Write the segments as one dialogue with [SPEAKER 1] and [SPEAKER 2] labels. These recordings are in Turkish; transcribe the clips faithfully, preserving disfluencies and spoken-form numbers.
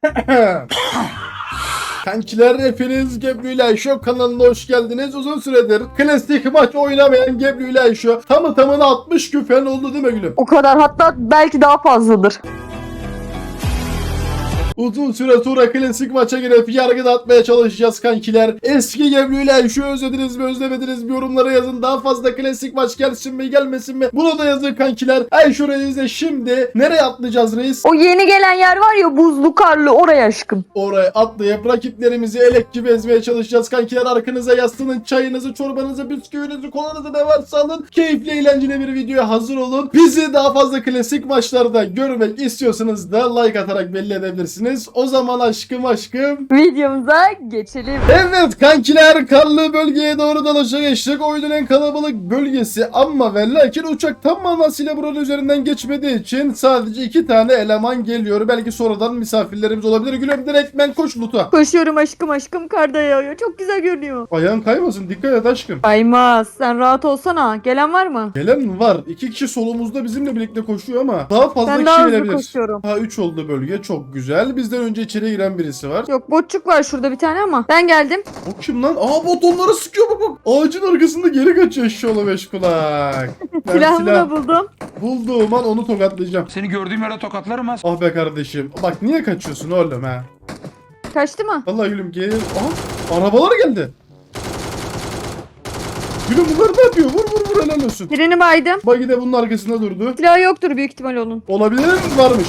[SPEAKER 1] Kankiler, hepiniz Gebru ile Ayşo kanalına hoş geldiniz. Uzun süredir klasik maç oynamayan Gebru ile Ayşo tamı tamına altmış gün falan oldu değil mi gülüm?
[SPEAKER 2] O kadar, hatta belki daha fazladır.
[SPEAKER 1] Uzun süre sonra klasik maça girip yargı dağıtmaya çalışacağız kankiler. Eski Gebru ile Ayşo'yu özlediniz mi özlemediniz mi yorumlara yazın. Daha fazla klasik maç gelsin mi gelmesin mi bunu da yazın kankiler. Ayşo Reis'e şimdi nereye atlayacağız reis?
[SPEAKER 2] O yeni gelen yer var ya, buzlu karlı, oraya aşkım.
[SPEAKER 1] Oraya atlayıp rakiplerimizi elek gibi ezmeye çalışacağız kankiler. Arkanıza yaslanın, çayınızı, çorbanızı, bisküvinizi, kolanızı ne varsa alın. Keyifli, eğlenceli bir videoya hazır olun. Bizi daha fazla klasik maçlarda görmek istiyorsanız da like atarak belli edebilirsiniz. O zaman aşkım aşkım.
[SPEAKER 2] Videomuza geçelim.
[SPEAKER 1] Evet kankiler, karlı bölgeye doğru dalaşa geçtik. Oyunun en kalabalık bölgesi ama ve lakin uçak tam manasıyla buranın üzerinden geçmediği için sadece iki tane eleman geliyor. Belki sonradan misafirlerimiz olabilir. Gülüm direkt ben koş loot'a.
[SPEAKER 2] Koşuyorum aşkım aşkım, karda yağıyor. Çok güzel görünüyor.
[SPEAKER 1] Ayağın kaymasın, dikkat et aşkım.
[SPEAKER 2] Kaymaz. Sen rahat olsana. Gelen var mı?
[SPEAKER 1] Gelen mi var? İki kişi solumuzda bizimle birlikte koşuyor ama daha fazla
[SPEAKER 2] Ben
[SPEAKER 1] kişi
[SPEAKER 2] daha hızlı
[SPEAKER 1] gelebilir.
[SPEAKER 2] koşuyorum.
[SPEAKER 1] Ha üç oldu bölge, çok güzel. Bizden önce içeri giren birisi var.
[SPEAKER 2] Yok, botçuk var şurada bir tane ama. Ben geldim.
[SPEAKER 1] O kim lan? Aa, bot onları sıkıyor bak bak. Ağacın arkasında geri kaçıyor eşşoğlu beş kulak. Ben
[SPEAKER 2] Silahımı
[SPEAKER 1] silah
[SPEAKER 2] da buldum.
[SPEAKER 1] bulduğum an onu tokatlayacağım.
[SPEAKER 3] Seni gördüğüm yere tokatlarım ha.
[SPEAKER 1] Ah be kardeşim. Bak niye kaçıyorsun oğlum ha?
[SPEAKER 2] Kaçtı mı?
[SPEAKER 1] Vallahi gülüm gel. Aha, arabalar geldi. Gülüm bunlar ne yapıyor? Vur vur vur, helal olsun.
[SPEAKER 2] Birini baydım.
[SPEAKER 1] Bagi de bunun arkasında durdu.
[SPEAKER 2] Silahı yoktur büyük ihtimal onun.
[SPEAKER 1] Olabilir mi? Varmış.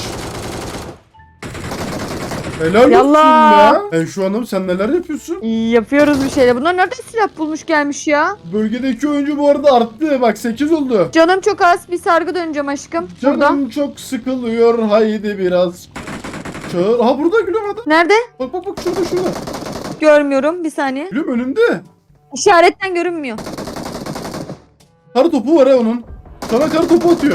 [SPEAKER 1] Helal
[SPEAKER 2] Yallah.
[SPEAKER 1] olsun ya. E şu hanım sen neler yapıyorsun?
[SPEAKER 2] İyi, yapıyoruz bir şeyler. Bunlar nereden silah bulmuş gelmiş ya?
[SPEAKER 1] Bölgedeki oyuncu bu arada arttı. Bak sekiz oldu.
[SPEAKER 2] Canım çok az. Bir sargı döneceğim aşkım.
[SPEAKER 1] Canım
[SPEAKER 2] Burada.
[SPEAKER 1] çok sıkılıyor. Haydi biraz. Çağır. Aha burada gülüm adam.
[SPEAKER 2] Nerede?
[SPEAKER 1] Bak bak bak şurada şurada.
[SPEAKER 2] Görmüyorum. Bir saniye.
[SPEAKER 1] Gülüm önünde.
[SPEAKER 2] İşaretten görünmüyor.
[SPEAKER 1] Kar topu var ha onun. Sana kar topu atıyor.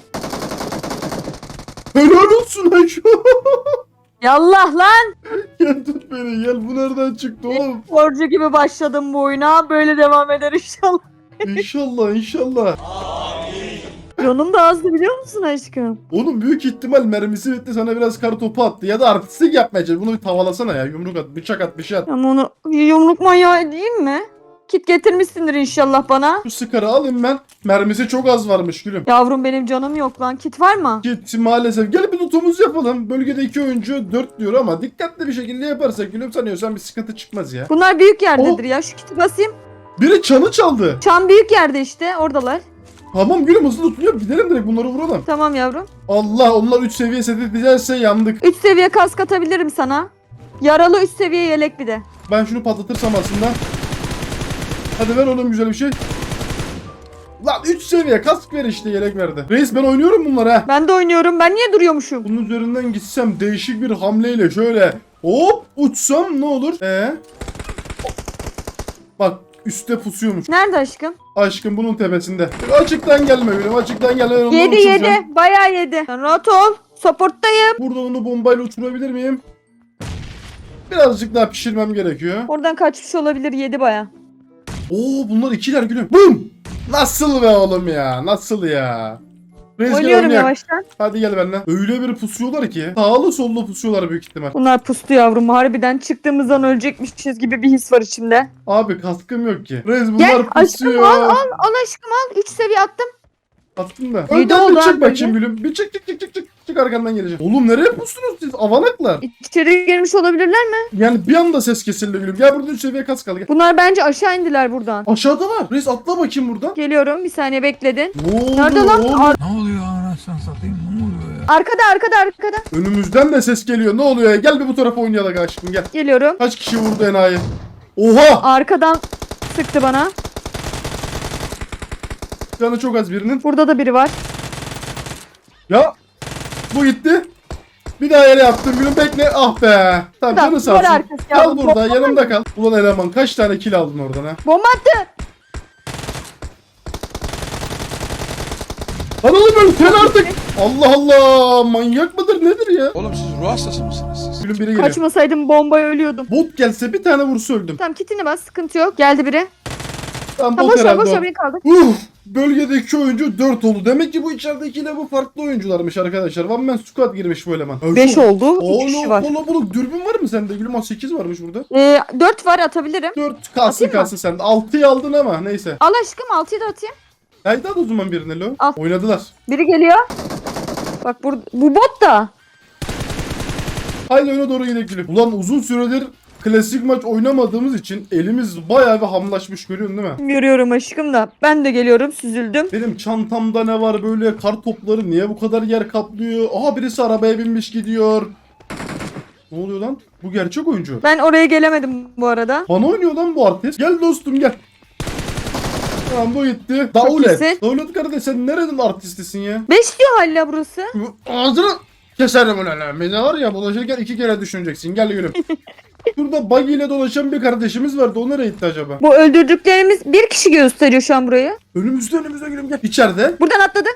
[SPEAKER 1] Helal olsun Ayşe.
[SPEAKER 2] Yallah lan.
[SPEAKER 1] Gel tut beni gel. Bu nereden çıktı oğlum?
[SPEAKER 2] Sporcu gibi başladım bu oyuna. Böyle devam eder inşallah.
[SPEAKER 1] İnşallah inşallah.
[SPEAKER 2] Canım da azdı biliyor musun aşkım?
[SPEAKER 1] Onun büyük ihtimal mermisi bitti, sana biraz kar topu attı ya da artistik yapmayacak. Bunu bir tavalasana ya, yumruk at, bıçak at, bir şey at.
[SPEAKER 2] Ama onu yumruk manyağı değil mi? Kit getirmişsindir inşallah bana.
[SPEAKER 1] Şu sıkarı alayım ben. Mermisi çok az varmış gülüm.
[SPEAKER 2] Yavrum benim canım yok lan. Kit var mı?
[SPEAKER 1] Git maalesef. Gel bir lootumuzu yapalım. Bölgede iki oyuncu dört diyor ama dikkatli bir şekilde yaparsak gülüm sanıyorsan bir sıkıntı çıkmaz ya.
[SPEAKER 2] Bunlar büyük yerdedir ya. Şu kiti basayım.
[SPEAKER 1] Biri çanı çaldı.
[SPEAKER 2] Çam büyük yerde işte. Oradalar.
[SPEAKER 1] Tamam gülüm, hızlı lootunuyor. Gidelim direkt bunları vuralım.
[SPEAKER 2] Tamam yavrum.
[SPEAKER 1] Allah, onlar üç seviye set edilirse yandık.
[SPEAKER 2] üç seviye kask atabilirim sana. Yaralı üç seviye yelek bir de.
[SPEAKER 1] Ben şunu patlatırsam aslında. Hadi ver oğlum güzel bir şey. Lan üç seviye kask ver işte, yelek verdi. Reis ben oynuyorum bunları ha.
[SPEAKER 2] Ben de oynuyorum. Ben niye duruyormuşum?
[SPEAKER 1] Bunun üzerinden gitsem değişik bir hamleyle şöyle hop uçsam ne olur? Ee? Bak üstte pusuyormuş.
[SPEAKER 2] Nerede aşkım?
[SPEAKER 1] Aşkım bunun tepesinde. Açıktan gelme gülüm, açıktan gelme. Ben ondan
[SPEAKER 2] Yedi
[SPEAKER 1] uçuracağım.
[SPEAKER 2] yedi. Bayağı yedi. Sen rahat ol. Supporttayım.
[SPEAKER 1] Burada onu bombayla uçurabilir miyim? Birazcık daha pişirmem gerekiyor.
[SPEAKER 2] Oradan kaçmış olabilir. Yedi bayağı.
[SPEAKER 1] Oo bunlar ikiler gülüm. Bum! Nasıl be oğlum ya? Nasıl ya? Reis gel
[SPEAKER 2] Oynuyorum
[SPEAKER 1] oynayak.
[SPEAKER 2] yavaştan.
[SPEAKER 1] Hadi gel benimle. Öyle bir pusuyorlar ki. Sağlı sollu pusuyorlar büyük ihtimal.
[SPEAKER 2] Bunlar pustu yavrum. Harbiden çıktığımızdan ölecekmişiz gibi bir his var içimde.
[SPEAKER 1] Abi kaskım yok ki. Reis bunlar
[SPEAKER 2] Gel
[SPEAKER 1] pusuyor.
[SPEAKER 2] aşkım al al. Al aşkım al. üç seviye attım.
[SPEAKER 1] Attın da.
[SPEAKER 2] İyi de
[SPEAKER 1] Önden bir
[SPEAKER 2] oldu
[SPEAKER 1] çık
[SPEAKER 2] abi
[SPEAKER 1] bakayım gülüm. Bir çık çık çık çık çık. Çık arkandan geleceğim. Oğlum nereye pustunuz siz? Avanaklar.
[SPEAKER 2] İçeri girmiş olabilirler mi?
[SPEAKER 1] Yani bir anda ses kesildi gülüm. Gel burada üç seviye kask al gel.
[SPEAKER 2] Bunlar bence aşağı indiler buradan.
[SPEAKER 1] Aşağıda var. Reis atla bakayım buradan.
[SPEAKER 2] Geliyorum. Bir saniye bekledin.
[SPEAKER 1] Ne oldu?
[SPEAKER 2] Nerede lan?
[SPEAKER 1] oğlum?
[SPEAKER 2] Ar-
[SPEAKER 3] Ne oluyor anasını satayım, ne oluyor ya?
[SPEAKER 2] arkada arkada arkada.
[SPEAKER 1] Önümüzden de ses geliyor. Ne oluyor ya? Gel bir bu tarafa oynayalım aşkım gel.
[SPEAKER 2] Geliyorum.
[SPEAKER 1] Kaç kişi vurdu enayi? Oha!
[SPEAKER 2] Arkadan sıktı bana.
[SPEAKER 1] Canı çok az birinin.
[SPEAKER 2] Burada da biri var.
[SPEAKER 1] Ya bu gitti. Bir daha yere yaptım gülüm, bekle. Ah be. Tamam
[SPEAKER 2] Tamam,
[SPEAKER 1] canı sağ
[SPEAKER 2] duvar
[SPEAKER 1] olsun.
[SPEAKER 2] arkası
[SPEAKER 1] Kal
[SPEAKER 2] yavrum,
[SPEAKER 1] burada
[SPEAKER 2] bomba
[SPEAKER 1] yanımda kal. Ulan eleman kaç tane kill aldın oradan ha?
[SPEAKER 2] Bomba attı.
[SPEAKER 1] Lan oğlum öl sen artık. Allah Allah, manyak mıdır nedir ya?
[SPEAKER 3] Oğlum siz ruh hastası mısınız siz?
[SPEAKER 1] Gülüm biri geliyor.
[SPEAKER 2] Kaçmasaydım bombaya ölüyordum.
[SPEAKER 1] Bot gelse bir tane vursa öldüm.
[SPEAKER 2] Tamam kitini bas, sıkıntı yok. Geldi biri.
[SPEAKER 1] Tamam
[SPEAKER 2] Ha
[SPEAKER 1] bot
[SPEAKER 2] boş ver
[SPEAKER 1] herhalde
[SPEAKER 2] boş ver,
[SPEAKER 1] o.
[SPEAKER 2] beni kaldır.
[SPEAKER 1] Uf, bölgedeki oyuncu dört oldu. Demek ki bu içeridekiyle bu farklı oyuncularmış arkadaşlar. One Man Squad girmiş bu eleman.
[SPEAKER 2] beş oldu. iki
[SPEAKER 1] Oğlum
[SPEAKER 2] kişi var.
[SPEAKER 1] kalabalık. Dürbün var mı sende? Gülüm sekiz varmış burada.
[SPEAKER 2] Ee, dört var, atabilirim.
[SPEAKER 1] dört kalsın
[SPEAKER 2] Atayım mı?
[SPEAKER 1] kalsın sende. altıyı aldın ama neyse.
[SPEAKER 2] Al aşkım, altıyı da atayım.
[SPEAKER 1] Haydi al o zaman birine lo.
[SPEAKER 2] Al.
[SPEAKER 1] Oynadılar.
[SPEAKER 2] Biri geliyor. Bak bu, bu bot da.
[SPEAKER 1] Haydi öne doğru gidelim Gülüm. Ulan uzun süredir klasik maç oynamadığımız için elimiz bayağı bir hamlaşmış, görüyorsun değil mi?
[SPEAKER 2] Görüyorum aşkım da. Ben de geliyorum, süzüldüm.
[SPEAKER 1] Benim çantamda ne var böyle, kar topları niye bu kadar yer kaplıyor? Aha birisi arabaya binmiş gidiyor. Ne oluyor lan? Bu gerçek oyuncu.
[SPEAKER 2] Ben oraya gelemedim bu arada.
[SPEAKER 1] Bana oynuyor lan bu artist. Gel dostum gel. Tamam bu gitti. Daulet.
[SPEAKER 2] iyisin.
[SPEAKER 1] Daulet kardeş sen nerenin artistisin ya?
[SPEAKER 2] beş diyor hala burası.
[SPEAKER 1] Ağzını keserim ulan. Beni var ya dolaşırken iki kere düşüneceksin. Gel gülüm. Şurada buggy ile dolaşan bir kardeşimiz vardı. O nereye gitti acaba?
[SPEAKER 2] Bu öldürdüklerimiz bir kişi gösteriyor şu an burayı.
[SPEAKER 1] Önümüzde önümüzde gülüm gel. İçeride.
[SPEAKER 2] Buradan atladı.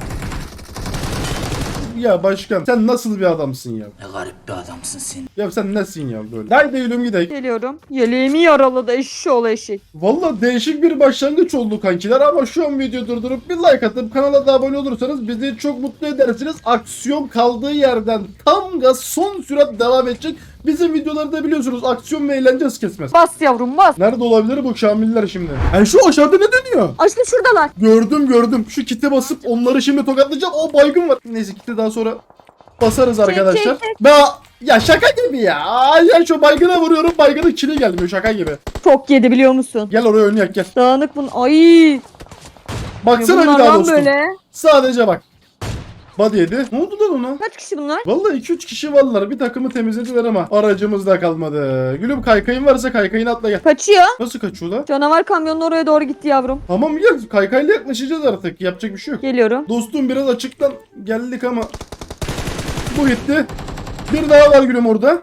[SPEAKER 1] Ya başkan sen nasıl bir adamsın ya?
[SPEAKER 4] Ne garip bir adamsın sen.
[SPEAKER 1] Ya sen nesin ya böyle? Haydi gülüm gidelim.
[SPEAKER 2] Geliyorum. Yeleğimi yaraladı eşşoğlu eşek.
[SPEAKER 1] Valla değişik bir başlangıç oldu kankiler ama şu an video durdurup bir like atıp kanala da abone olursanız bizi çok mutlu edersiniz. Aksiyon kaldığı yerden tam gaz son sürat devam edecek. Bizim videolarda biliyorsunuz aksiyon ve eğlence hız kesmez.
[SPEAKER 2] Bas yavrum bas.
[SPEAKER 1] Nerede olabilir bu Şamiller şimdi? Yani şu aşağıda ne dönüyor?
[SPEAKER 2] Aşkım şuradalar.
[SPEAKER 1] Gördüm gördüm. Şu kite basıp onları şimdi tokatlayacağım. O baygın var. Neyse kite daha sonra basarız arkadaşlar.
[SPEAKER 2] çek,
[SPEAKER 1] Ben ya şaka gibi ya. Ay ya şu baygına vuruyorum. Baygının kili gelmiyor şaka gibi.
[SPEAKER 2] Çok yedi biliyor musun?
[SPEAKER 1] Gel oraya oynayak gel.
[SPEAKER 2] Dağınık bunun. Ay.
[SPEAKER 1] Baksana bir
[SPEAKER 2] Bunlar
[SPEAKER 1] daha
[SPEAKER 2] lan
[SPEAKER 1] dostum.
[SPEAKER 2] böyle.
[SPEAKER 1] Sadece bak. Body yedi. Ne oldu lan ona?
[SPEAKER 2] Kaç kişi bunlar?
[SPEAKER 1] Vallahi iki üç kişi varlar. Bir takımı temizlediler ama aracımız da kalmadı. Gülüm kaykayın varsa kaykayını atla gel.
[SPEAKER 2] Kaçıyor.
[SPEAKER 1] Nasıl kaçıyor lan?
[SPEAKER 2] Canavar kamyonun oraya doğru gitti yavrum.
[SPEAKER 1] Tamam gel. Kaykayla yaklaşacağız artık. Yapacak bir şey yok.
[SPEAKER 2] Geliyorum.
[SPEAKER 1] Dostum biraz açıktan geldik ama bu gitti. Bir daha var gülüm orada.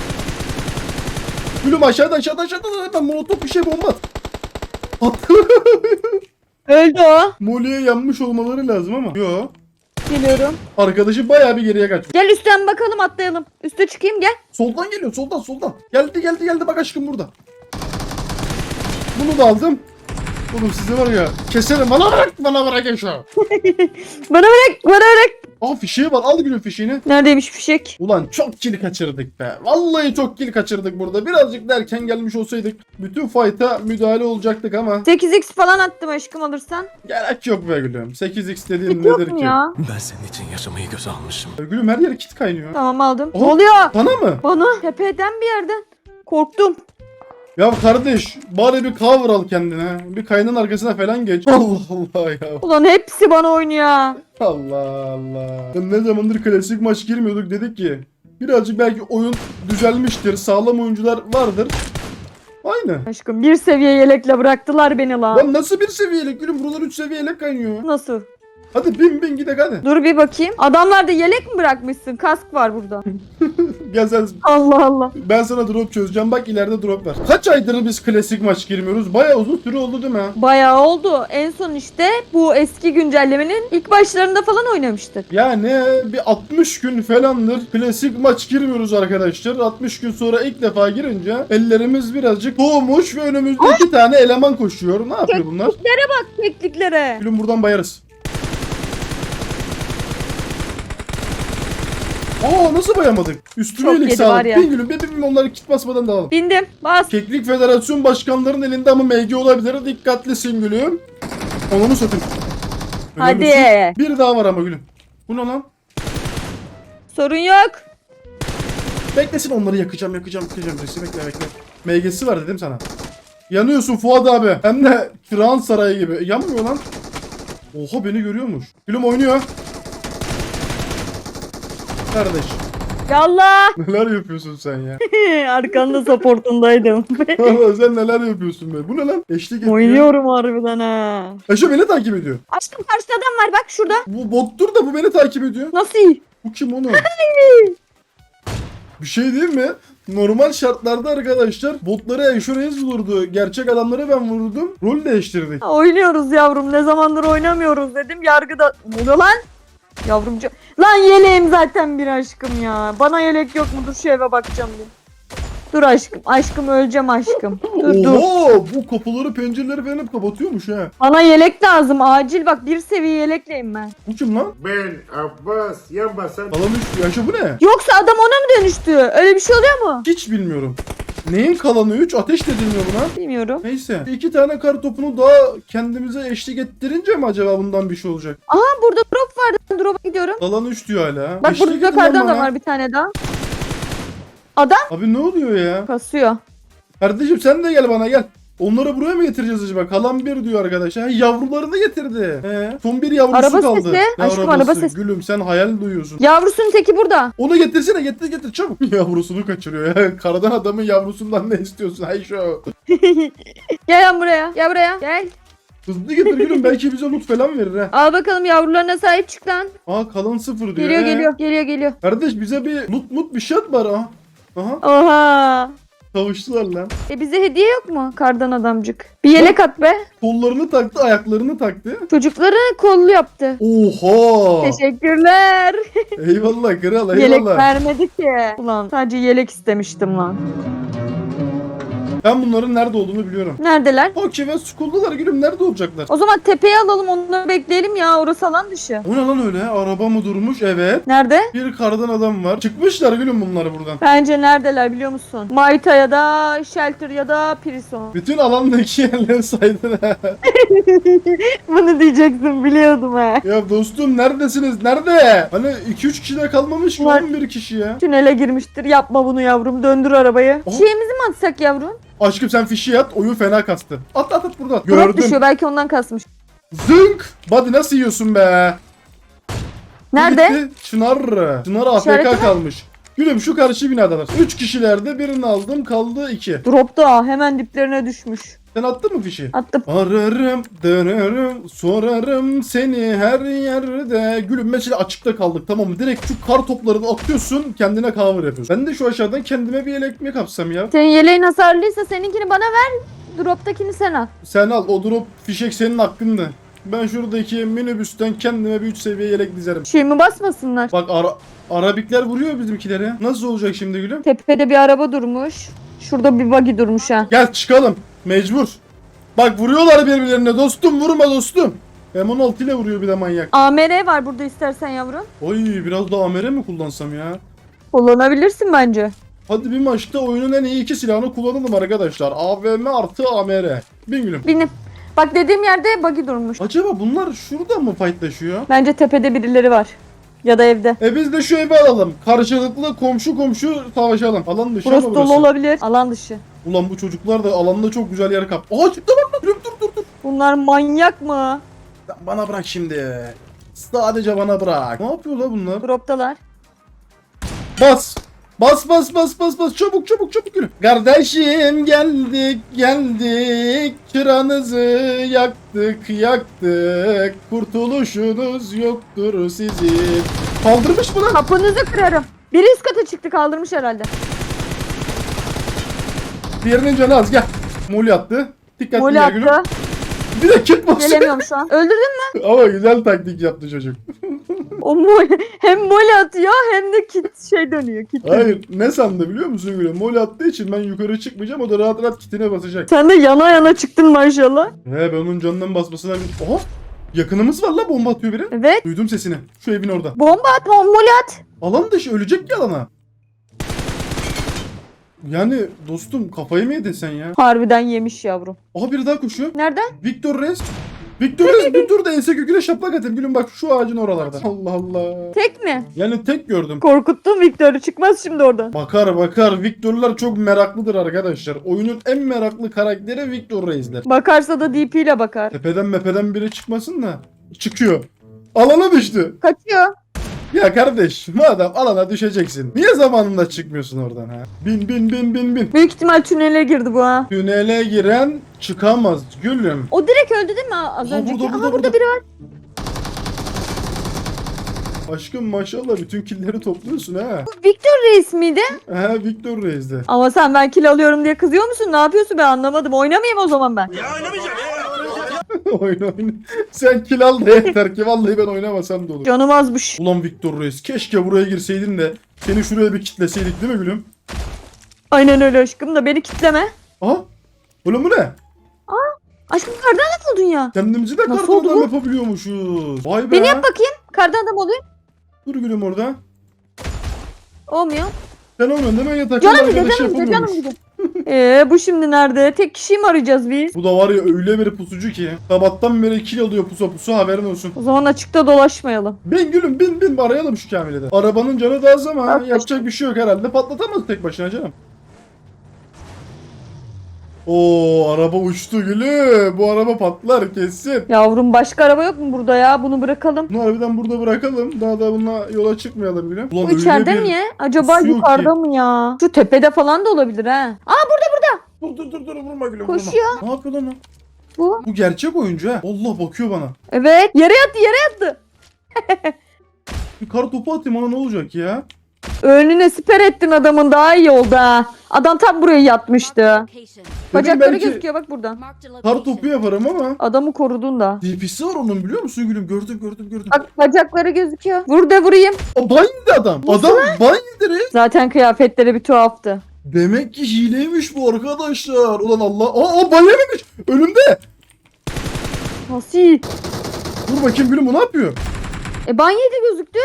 [SPEAKER 1] Gülüm aşağıda aşağıda aşağıda hemen molotof bir şey bomba at. At.
[SPEAKER 2] Öldü o.
[SPEAKER 1] Molly'e yanmış olmaları lazım ama. Yo.
[SPEAKER 2] Geliyorum.
[SPEAKER 1] Arkadaşı bayağı bir geriye kaçmış.
[SPEAKER 2] Gel üstten bakalım, atlayalım. Üste çıkayım gel.
[SPEAKER 1] Soldan geliyor soldan soldan. Geldi geldi geldi bak aşkım burada. Bunu da aldım. Oğlum size var ya keserim, bana bırak bana bırak ya şu.
[SPEAKER 2] Bana bırak, bana bırak.
[SPEAKER 1] Aa fişeği var, al gülüm fişeğini.
[SPEAKER 2] Neredeymiş fişek?
[SPEAKER 1] Ulan çok kill kaçırdık be. Vallahi çok kill kaçırdık burada. Birazcık derken gelmiş olsaydık bütün fight'a müdahale olacaktık ama
[SPEAKER 2] sekiz x falan attım aşkım alırsan.
[SPEAKER 1] gerek yok be gülüm. sekiz x dediğin
[SPEAKER 2] Yok
[SPEAKER 1] nedir
[SPEAKER 2] mu
[SPEAKER 1] ki?
[SPEAKER 2] ya?
[SPEAKER 5] Ben senin için yaşamayı göze almışım.
[SPEAKER 1] Gülüm her yer kit kaynıyor.
[SPEAKER 2] Tamam aldım.
[SPEAKER 1] Oha.
[SPEAKER 2] Ne oluyor?
[SPEAKER 1] Bana mı?
[SPEAKER 2] Bana tepeden bir yerden. Korktum.
[SPEAKER 1] Ya kardeş bari bir cover al kendine. Bir kaynın arkasına falan geç. Allah Allah ya.
[SPEAKER 2] Ulan hepsi bana oynuyor.
[SPEAKER 1] Allah Allah. Ya ne zamandır klasik maç girmiyorduk, dedik ki birazcık belki oyun düzelmiştir. Sağlam oyuncular vardır. Aynı.
[SPEAKER 2] Aşkım bir seviye yelekle bıraktılar beni lan.
[SPEAKER 1] Lan nasıl bir seviyelik gülüm? Buralar üç seviyelik kaynıyor.
[SPEAKER 2] Nasıl?
[SPEAKER 1] Hadi bin bin gidek hadi.
[SPEAKER 2] Dur bir bakayım. Adamlarda yelek mi bırakmışsın? Kask var burada.
[SPEAKER 1] Gel sen.
[SPEAKER 2] Allah Allah.
[SPEAKER 1] Ben sana drop çözeceğim. Bak ileride drop var. Kaç aydır biz klasik maç girmiyoruz? Bayağı uzun süre oldu değil mi?
[SPEAKER 2] Bayağı oldu. En son işte bu eski güncellemenin ilk başlarında falan oynamıştık.
[SPEAKER 1] Yani bir altmış gün falandır klasik maç girmiyoruz arkadaşlar. altmış gün sonra ilk defa girince ellerimiz birazcık soğumuş ve önümüzde iki tane eleman koşuyor. Ne yapıyor bunlar?
[SPEAKER 2] Tekniklere.
[SPEAKER 1] Gülüm buradan bayarız. Aa nasıl bayamadık? Üstüme
[SPEAKER 2] Çok
[SPEAKER 1] iyilik
[SPEAKER 2] yedi var
[SPEAKER 1] sağlık.
[SPEAKER 2] ya.
[SPEAKER 1] Bir gülüm bir bir onları kit basmadan dağılalım.
[SPEAKER 2] Bindim. Bas.
[SPEAKER 1] Keklik Federasyon Başkanlarının elinde ama M G olabilir. Dikkatlisin gülüm. Onu mu satayım?
[SPEAKER 2] Hadi.
[SPEAKER 1] Önemlisi- Bir daha var ama gülüm. Bu ne lan?
[SPEAKER 2] Sorun yok.
[SPEAKER 1] Beklesin, onları yakacağım yakacağım yakacağım. Birisi bekle bekle. M G'si var dedim sana. Yanıyorsun Fuat abi. Hem de Frans Sarayı gibi. Yanmıyor lan. Oha beni görüyormuş. Gülüm oynuyor. Kardeş.
[SPEAKER 2] Yallah.
[SPEAKER 1] Neler yapıyorsun sen ya?
[SPEAKER 2] Arkanda supportundaydım.
[SPEAKER 1] Valla sen neler yapıyorsun be? Bu ne lan? Eşlik ediyor.
[SPEAKER 2] Oynuyorum harbiden ha.
[SPEAKER 1] Eşe beni takip ediyor.
[SPEAKER 2] Aşkım karşıda adam var bak şurada.
[SPEAKER 1] Bu bottur da bu beni takip ediyor.
[SPEAKER 2] Nasıl iyi?
[SPEAKER 1] Bu kim onu? Bir şey değil mi? Normal şartlarda arkadaşlar botları Eşoreyiz vurdu. Gerçek adamları ben vurdum. Rol değiştirdik.
[SPEAKER 2] Ha, oynuyoruz yavrum, ne zamandır oynamıyoruz dedim, yargıda. Ne oluyor lan? Yavrumcu. Lan yeleğim zaten bir aşkım ya. Bana yelek yok mu? Dur şu eve bakacağım bir. Dur aşkım. Aşkım öleceğim aşkım. Dur dur.
[SPEAKER 1] Oho, bu kapıları pencereleri falan hep kapatıyormuş ha.
[SPEAKER 2] Bana yelek lazım acil bak bir seviye yelekleyim ben.
[SPEAKER 1] Bu kim lan?
[SPEAKER 4] Ben Abbas yan basan.
[SPEAKER 1] Kalan üç. Yaşa bu ne?
[SPEAKER 2] Yoksa adam ona mı dönüştü? Öyle bir şey oluyor mu?
[SPEAKER 1] Hiç bilmiyorum. Neyin kalanı üç? Ateş de edilmiyor buna.
[SPEAKER 2] Bilmiyorum.
[SPEAKER 1] Neyse. İki tane kar topunu daha kendimize eşlik ettirince mi acaba bundan bir şey olacak?
[SPEAKER 2] Aha burada drop vardı. Ben drop'a gidiyorum.
[SPEAKER 1] Kalan üç diyor hala.
[SPEAKER 2] Bak
[SPEAKER 1] Eşlik
[SPEAKER 2] burada
[SPEAKER 1] edin
[SPEAKER 2] kardan
[SPEAKER 1] ama
[SPEAKER 2] da
[SPEAKER 1] ha.
[SPEAKER 2] var bir tane daha. Adam
[SPEAKER 1] Abi ne oluyor ya?
[SPEAKER 2] kasıyor.
[SPEAKER 1] Kardeşim sen de gel bana gel. Onları buraya mı getireceğiz acaba? Kalan bir diyor arkadaşlar. Ha, yavrularını getirdi. He. Son bir yavrusu
[SPEAKER 2] Araba
[SPEAKER 1] kaldı.
[SPEAKER 2] sesi.
[SPEAKER 1] Ne
[SPEAKER 2] Aşkım,
[SPEAKER 1] arabası?
[SPEAKER 2] araba sesi.
[SPEAKER 1] Gülüm sen hayal duyuyorsun.
[SPEAKER 2] Yavrusunun teki burada.
[SPEAKER 1] Onu getirsene getir getir çabuk. Yavrusunu kaçırıyor ya. Karadan adamın yavrusundan ne istiyorsun? Hay şu.
[SPEAKER 2] Gel lan buraya. Gel buraya. Gel.
[SPEAKER 1] Hızlı getir gülüm belki bize loot falan verir ha.
[SPEAKER 2] Al bakalım yavrularına sahip çık lan.
[SPEAKER 1] Aa kalan sıfır diyor.
[SPEAKER 2] Geliyor
[SPEAKER 1] He.
[SPEAKER 2] geliyor. Geliyor geliyor.
[SPEAKER 1] Kardeş bize bir loot mut bir şey at bari ha. Aha
[SPEAKER 2] Oha.
[SPEAKER 1] kavuştular lan.
[SPEAKER 2] E bize hediye yok mu kardan adamcık? Bir yelek at be.
[SPEAKER 1] Kollarını taktı ayaklarını taktı.
[SPEAKER 2] Çocukları kollu yaptı.
[SPEAKER 1] Oha.
[SPEAKER 2] Teşekkürler.
[SPEAKER 1] Eyvallah kral
[SPEAKER 2] Yelek
[SPEAKER 1] eyvallah.
[SPEAKER 2] vermedi ki. Ulan sadece yelek istemiştim lan.
[SPEAKER 1] Ben bunların nerede olduğunu biliyorum.
[SPEAKER 2] Neredeler?
[SPEAKER 1] Okey ve Skull'dalar gülüm nerede olacaklar?
[SPEAKER 2] O zaman tepeye alalım onları bekleyelim ya. Orası alan dışı.
[SPEAKER 1] O ne lan öyle? Araba mı durmuş? Evet.
[SPEAKER 2] Nerede?
[SPEAKER 1] Bir kardan adam var. Çıkmışlar gülüm bunları buradan.
[SPEAKER 2] Bence neredeler biliyor musun? Maita ya da Shelter ya da Prison.
[SPEAKER 1] Bütün alandaki yerleri saydın ha.
[SPEAKER 2] Bunu diyeceksin biliyordum ha.
[SPEAKER 1] Ya dostum neredesiniz? Nerede? Hani iki üç kişi de kalmamış ki
[SPEAKER 2] Var.
[SPEAKER 1] on bir kişi ya.
[SPEAKER 2] Tünele girmiştir. Yapma bunu yavrum. Döndür arabayı.
[SPEAKER 1] Oha.
[SPEAKER 2] Şeyimizi mi atsak yavrum?
[SPEAKER 1] Aşkım sen fişi at. Oyun fena kastı. At at at buradan.
[SPEAKER 2] Drop
[SPEAKER 1] Gördüm.
[SPEAKER 2] düşüyor. Belki ondan kasmış.
[SPEAKER 1] Zınk. Body nasıl yiyorsun be? Bu
[SPEAKER 2] Nerede?
[SPEAKER 1] gitti. Çınar. Çınar A F
[SPEAKER 2] İşareti
[SPEAKER 1] K
[SPEAKER 2] mi?
[SPEAKER 1] kalmış. Gülüm şu karşı binadalar. üç kişilerde birini aldım kaldı iki.
[SPEAKER 2] Dropta hemen diplerine düşmüş.
[SPEAKER 1] Sen attın mı fişi?
[SPEAKER 2] Attım.
[SPEAKER 1] Ararım, dönerim, sorarım seni her yerde. Gülüm mesela açıkta kaldık tamam mı? Direkt şu kar toplarını atıyorsun kendine cover yapıyorsun. Ben de şu aşağıdan kendime bir yelek mi kapsam ya?
[SPEAKER 2] Senin yeleğin hasarlıysa seninkini bana ver. Droptakini sen al.
[SPEAKER 1] Sen al o drop fişek senin hakkında. Ben şuradaki minibüsten kendime bir üç seviye yelek dizerim.
[SPEAKER 2] Şeyimi basmasınlar.
[SPEAKER 1] Bak ara Arabikler vuruyor bizimkileri. Nasıl olacak şimdi gülüm?
[SPEAKER 2] Tepede bir araba durmuş. Şurada bir buggy durmuş ha.
[SPEAKER 1] Gel çıkalım. Mecbur. Bak vuruyorlar birbirlerine dostum vurma dostum. M on altı ile vuruyor bir de manyak.
[SPEAKER 2] A M R var burada istersen yavrum.
[SPEAKER 1] Oy biraz da A M R mi kullansam ya?
[SPEAKER 2] Kullanabilirsin bence.
[SPEAKER 1] Hadi bir maçta oyunun en iyi iki silahını kullanalım arkadaşlar. A V M artı A M R. Bin gülüm.
[SPEAKER 2] Binip. Bak dediğim yerde buggy durmuş.
[SPEAKER 1] Acaba bunlar şurada mı fightlaşıyor?
[SPEAKER 2] Bence tepede birileri var. Ya da evde.
[SPEAKER 1] E biz de şu evi alalım. Karşılıklı komşu komşu savaşalım. Alan dışı
[SPEAKER 2] Burası
[SPEAKER 1] ama
[SPEAKER 2] dolu
[SPEAKER 1] burası.
[SPEAKER 2] olabilir. Alan dışı.
[SPEAKER 1] Ulan bu çocuklar da alanda çok güzel yer kap. Aa çıktı lan. Gülüm dur dur dur.
[SPEAKER 2] Bunlar manyak mı?
[SPEAKER 1] Sen bana bırak şimdi. Sadece bana bırak. Ne yapıyorlar bunlar?
[SPEAKER 2] Droptalar.
[SPEAKER 1] Bas. Bas bas bas bas bas çabuk çabuk çabuk yürü. Kardeşim geldik geldik çıranızı yaktık yaktık kurtuluşunuz yoktur sizin. Kaldırmış mı lan?
[SPEAKER 2] Kapınızı kırarım. Biri üst kata çıktı kaldırmış herhalde.
[SPEAKER 1] Diğerinin canı az gel. Moli attı. Dikkatli
[SPEAKER 2] Moli
[SPEAKER 1] gel gülüm.
[SPEAKER 2] attı.
[SPEAKER 1] Bir de kit basıyor.
[SPEAKER 2] Gelemiyorum şu an. Öldürdün mü?
[SPEAKER 1] Ama güzel taktik yaptı çocuk.
[SPEAKER 2] O moli, hem moli atıyor hem de kit şey dönüyor. Kit dönüyor.
[SPEAKER 1] Hayır ne sandı biliyor musun gülüm? Moli attığı için ben yukarı çıkmayacağım o da rahat rahat kitine basacak.
[SPEAKER 2] Sen de yana yana çıktın maşallah.
[SPEAKER 1] He ben onun canından basmasına... Oha! Yakınımız var la bomba atıyor biri.
[SPEAKER 2] Evet.
[SPEAKER 1] Duydum sesini. Şu evin orada.
[SPEAKER 2] Bomba at, moli at.
[SPEAKER 1] Alan dışı ölecek ki alana. Yani dostum kafayı mı yedin sen ya?
[SPEAKER 2] Harbiden yemiş yavrum.
[SPEAKER 1] Aha biri daha koşuyor.
[SPEAKER 2] Nereden?
[SPEAKER 1] Victor Rez. Victor Rez bir dur da ense köküne şaplak atayım. Gülüm bak şu ağacın oralarda. Allah Allah.
[SPEAKER 2] Tek mi?
[SPEAKER 1] Yani tek gördüm.
[SPEAKER 2] Korkuttun Victor'u. Çıkmaz şimdi oradan.
[SPEAKER 1] Bakar bakar. Victor'lar çok meraklıdır arkadaşlar. Oyunun en meraklı karakteri Victor Rez'ler.
[SPEAKER 2] Bakarsa da D P ile bakar.
[SPEAKER 1] Tepeden mepeden biri çıkmasın da. Çıkıyor. Alana düştü.
[SPEAKER 2] Kaçıyor.
[SPEAKER 1] Ya kardeş madem alana düşeceksin. Niye zamanında çıkmıyorsun oradan ha? Bin bin bin bin bin.
[SPEAKER 2] Büyük ihtimal tünele girdi bu ha.
[SPEAKER 1] Tünele giren çıkamaz gülüm.
[SPEAKER 2] O direkt öldü değil mi az
[SPEAKER 1] Aa,
[SPEAKER 2] önceki?
[SPEAKER 1] burada,
[SPEAKER 2] Aha
[SPEAKER 1] burada,
[SPEAKER 2] burada,
[SPEAKER 1] burada.
[SPEAKER 2] biri var.
[SPEAKER 1] Aşkım maşallah bütün killleri topluyorsun ha.
[SPEAKER 2] Bu Victor Reis miydi?
[SPEAKER 1] Ha Victor Reis'de.
[SPEAKER 2] Ama sen ben kill alıyorum diye kızıyor musun? Ne yapıyorsun ben anlamadım. Oynamayayım o zaman ben.
[SPEAKER 1] Oyna oyna. Sen kill al da yeter ki vallahi ben oynamasam da olur.
[SPEAKER 2] Canım azmış.
[SPEAKER 1] Ulan Victor Reis keşke buraya girseydin de seni şuraya bir kitleseydik değil mi gülüm?
[SPEAKER 2] Aynen öyle aşkım da beni kitleme.
[SPEAKER 1] Aha. Oğlum bu ne?
[SPEAKER 2] Aşkım kardan adam oldun ya.
[SPEAKER 1] Kendimizi de
[SPEAKER 2] Nasıl
[SPEAKER 1] kardan
[SPEAKER 2] oldu
[SPEAKER 1] adam
[SPEAKER 2] bu?
[SPEAKER 1] yapabiliyormuşuz. Vay be.
[SPEAKER 2] Beni yap bakayım. Kardan adam oluyor.
[SPEAKER 1] Dur gülüm orada.
[SPEAKER 2] Olmuyor.
[SPEAKER 1] Sen olmuyorsun değil mi? Yatakta
[SPEAKER 2] Canım gidiyor
[SPEAKER 1] arkadaş
[SPEAKER 2] canım gidiyor canım
[SPEAKER 1] yapamıyormuş.
[SPEAKER 2] gidiyor. Eee bu şimdi nerede? Tek kişiyi mi arayacağız biz?
[SPEAKER 1] Bu da var ya öyle bir pusucu ki. Sabahtan beri kill alıyor pusa pusu haberin olsun.
[SPEAKER 2] O zaman açıkta dolaşmayalım.
[SPEAKER 1] Bin gülüm bin bin arayalım şu Kamil'i de. Arabanın canı da az ama
[SPEAKER 2] Bak,
[SPEAKER 1] yapacak bir şey yok herhalde. Patlatamaz tek başına canım. Oo araba uçtu gülüm. Bu araba patlar kesin.
[SPEAKER 2] Yavrum başka araba yok mu burada ya? Bunu bırakalım.
[SPEAKER 1] Bunu harbiden burada bırakalım. Daha da bununla yola çıkmayalım gülüm. Ulan
[SPEAKER 2] Bu içeride
[SPEAKER 1] öyle bir
[SPEAKER 2] mi ya? Acaba
[SPEAKER 1] pusu yok
[SPEAKER 2] yukarıda
[SPEAKER 1] ki.
[SPEAKER 2] mı ya? Şu tepede falan da olabilir ha. Aa
[SPEAKER 1] Dur dur dur dur vurma gülüm
[SPEAKER 2] Koşuyor.
[SPEAKER 1] vurma. Ne yapıyor lan o?
[SPEAKER 2] bu.
[SPEAKER 1] Bu gerçek oyuncu ha. Allah bakıyor bana.
[SPEAKER 2] Evet. Yere yattı yere yattı.
[SPEAKER 1] Bir kar topu atayım ona ne olacak ya?
[SPEAKER 2] Önüne siper ettin adamın daha iyi oldu ha. Adam tam buraya yatmıştı. Bacakları
[SPEAKER 1] belki-
[SPEAKER 2] gözüküyor bak buradan.
[SPEAKER 1] Kar topu yaparım ama.
[SPEAKER 2] Adamı korudun da.
[SPEAKER 1] D P'si var onun biliyor musun gülüm? Gördüm gördüm gördüm.
[SPEAKER 2] Bak bacakları gözüküyor. Vur da vurayım.
[SPEAKER 1] Aa, ban yedi adam. Adam ban yedi re.
[SPEAKER 2] Zaten kıyafetleri bir tuhaftı.
[SPEAKER 1] Demek ki hileymiş bu arkadaşlar. Ulan Allah. Aa, aa ban yememiş. Önümde.
[SPEAKER 2] Nasıl iyi?
[SPEAKER 1] Dur bakayım gülüm bu ne yapıyor?
[SPEAKER 2] E ban yedi gözüktü.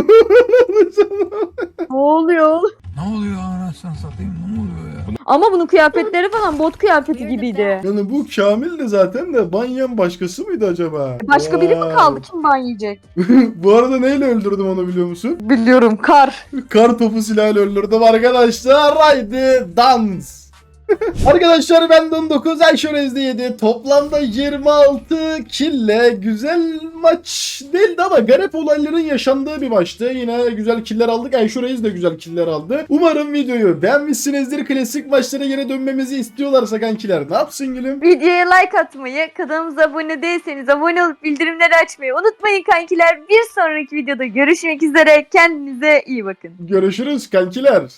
[SPEAKER 2] Ne oluyor?
[SPEAKER 3] Ne oluyor anasını satayım ne oluyor ya?
[SPEAKER 2] Ama bunun kıyafetleri falan bot kıyafeti gibiydi.
[SPEAKER 1] Yani bu Kamil de zaten de ban yiyen başkası mıydı acaba?
[SPEAKER 2] Başka biri mi
[SPEAKER 1] Vay.
[SPEAKER 2] kaldı? Kim ban yiyecek?
[SPEAKER 1] Bu arada neyle öldürdüm onu biliyor musun?
[SPEAKER 2] Biliyorum kar.
[SPEAKER 1] Kar topu silahıyla öldürdüm arkadaşlar. Haydi dans. Arkadaşlar ben on dokuz, Ayşe Rezde yedi. Toplamda yirmi altı kille güzel maç değildi ama garip olayların yaşandığı bir maçtı. Yine güzel killer aldık. Ayşe Reis de güzel killer aldı. Umarım videoyu beğenmişsinizdir. Klasik maçlara geri dönmemizi istiyorlarsa kankiler ne yapsın gülüm?
[SPEAKER 2] Videoya like atmayı, kanalımıza abone değilseniz abone olup bildirimleri açmayı unutmayın kankiler. Bir sonraki videoda görüşmek üzere. Kendinize iyi bakın.
[SPEAKER 1] Görüşürüz kankiler.